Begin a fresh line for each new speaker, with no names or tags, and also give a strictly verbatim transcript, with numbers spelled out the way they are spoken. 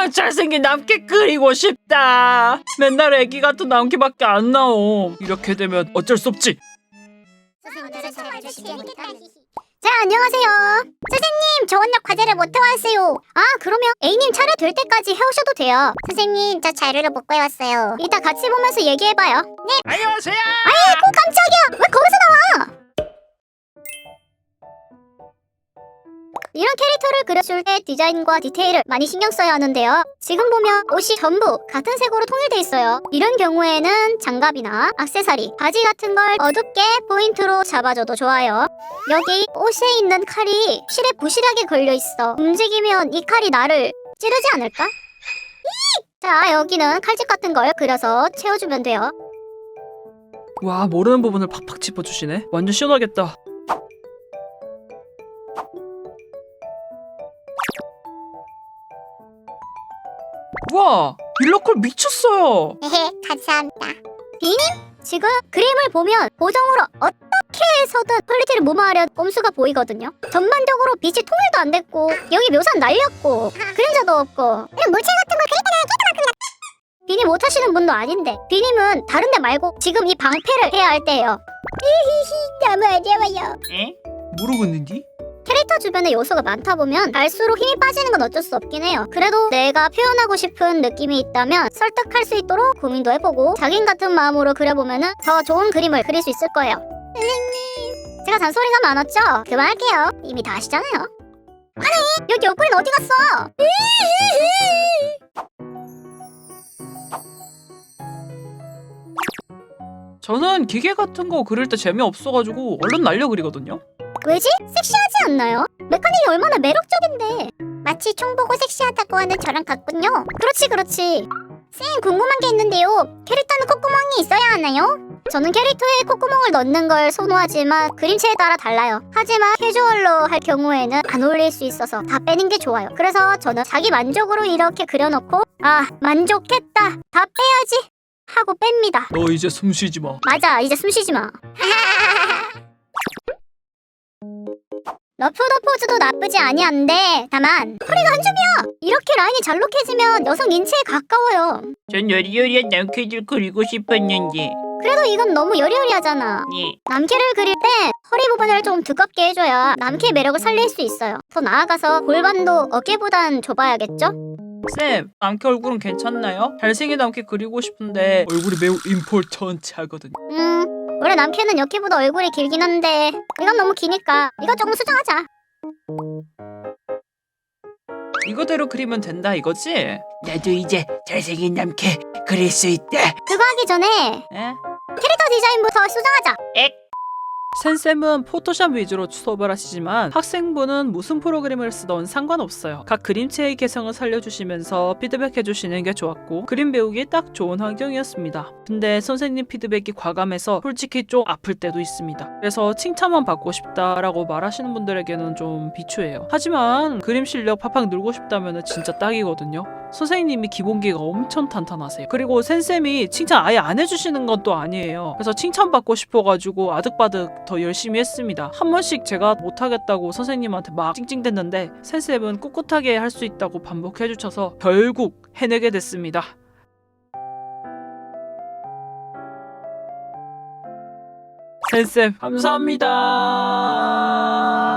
아, 잘생긴 남캐 그리고 싶다. 맨날 애기 같은 남캐밖에 안 나옴. 이렇게 되면 어쩔 수 없지.
자, 안녕하세요. 선생님, 저 오늘 과제를 못 해왔어요. 아, 그러면 A님 차례 될 때까지 해오셔도 돼요. 선생님, 저 자료를 못 구해왔어요. 이따 같이 보면서 얘기해봐요. 네.
안녕하세요.
아이고, 깜짝이야. 왜 거기서 나와? 이런 캐릭터를 그려줄 때 디자인과 디테일을 많이 신경 써야 하는데요. 지금 보면 옷이 전부 같은 색으로 통일돼 있어요. 이런 경우에는 장갑이나 액세서리, 바지 같은 걸 어둡게 포인트로 잡아줘도 좋아요. 여기 옷에 있는 칼이 실에 부실하게 걸려있어. 움직이면 이 칼이 나를 찌르지 않을까? 이! 자, 여기는 칼집 같은 걸 그려서 채워주면 돼요.
와, 모르는 부분을 팍팍 짚어주시네. 완전 시원하겠다. 와, 일러컬 미쳤어요.
헤헤, 감사합니다. 비님? 지금 그림을 보면 보정으로 어떻게 해서든 퀄리티를 무마하려 꼼수가 보이거든요. 전반적으로 빛이 통일도 안 됐고 여기 묘사는 날렸고 그림자도 없고 이런 물체 같은 걸 그릴 때는 깨끗만큼이나 비님 못하시는 분도 아닌데 비님은 다른 데 말고 지금 이 방패를 해야 할 때예요. 히히히, 너무 어려워요.
에? 모르겠는디?
캐릭터 주변에 요소가 많다 보면 갈수록 힘이 빠지는 건 어쩔 수 없긴 해요. 그래도 내가 표현하고 싶은 느낌이 있다면 설득할 수 있도록 고민도 해보고 자긴 같은 마음으로 그려보면 더 좋은 그림을 그릴 수 있을 거예요. 선생님, 제가 잔소리가 많았죠? 그만할게요. 이미 다 아시잖아요. 아니, 여기 옆구리는 어디 갔어?
저는 기계 같은 거 그릴 때 재미없어가지고 얼른 날려 그리거든요.
왜지? 섹시하지 않나요? 메카닉이 얼마나 매력적인데. 마치 총 보고 섹시하다고 하는 저랑 같군요. 그렇지 그렇지. 쌤, 궁금한 게 있는데요. 캐릭터는 콧구멍이 있어야 하나요? 저는 캐릭터에 콧구멍을 넣는 걸 선호하지만 그림체에 따라 달라요. 하지만 캐주얼로 할 경우에는 안 어울릴 수 있어서 다 빼는 게 좋아요. 그래서 저는 자기 만족으로 이렇게 그려놓고 아, 만족했다, 다 빼야지 하고 뺍니다.
너 이제 숨 쉬지 마.
맞아, 이제 숨 쉬지 마. 러프더 포즈도 나쁘지 아니한데 다만 허리가 한 줌이야. 이렇게 라인이 잘록해지면 여성 인체에 가까워요.
전 여리여리한 남캐들 그리고 싶었는데.
그래도 이건 너무 여리여리하잖아.
예.
남캐를 그릴 때 허리 부분을 좀 두껍게 해줘야 남캐의 매력을 살릴 수 있어요. 더 나아가서 골반도 어깨보단 좁아야겠죠?
쌤, 남캐 얼굴은 괜찮나요? 잘생긴 남캐 그리고 싶은데 얼굴이 매우 임포턴트하거든요.
음, 원래 남캐는 여캐보다 얼굴이 길긴 한데 이건 너무 기니까 이거 조금 수정하자.
이거대로 그리면 된다 이거지? 나도 이제 잘생긴 남캐 그릴 수 있다.
그거 하기 전에
에?
캐릭터 디자인부터 수정하자.
엑! 센쌤은 포토샵 위주로 수업을 하시지만 학생분은 무슨 프로그램을 쓰던 상관없어요. 각 그림체의 개성을 살려주시면서 피드백해주시는 게 좋았고 그림 배우기 딱 좋은 환경이었습니다. 근데 선생님 피드백이 과감해서 솔직히 좀 아플 때도 있습니다. 그래서 칭찬만 받고 싶다라고 말하시는 분들에게는 좀 비추해요. 하지만 그림 실력 팍팍 늘고 싶다면 진짜 딱이거든요. 선생님이 기본기가 엄청 탄탄하세요. 그리고 센쌤이 칭찬 아예 안 해주시는 건 또 아니에요. 그래서 칭찬받고 싶어가지고 아득바득 더 열심히 했습니다. 한 번씩 제가 못하겠다고 선생님한테 막 찡찡댔는데 센쌤은 꿋꿋하게 할 수 있다고 반복해주셔서 결국 해내게 됐습니다. 센쌤 감사합니다.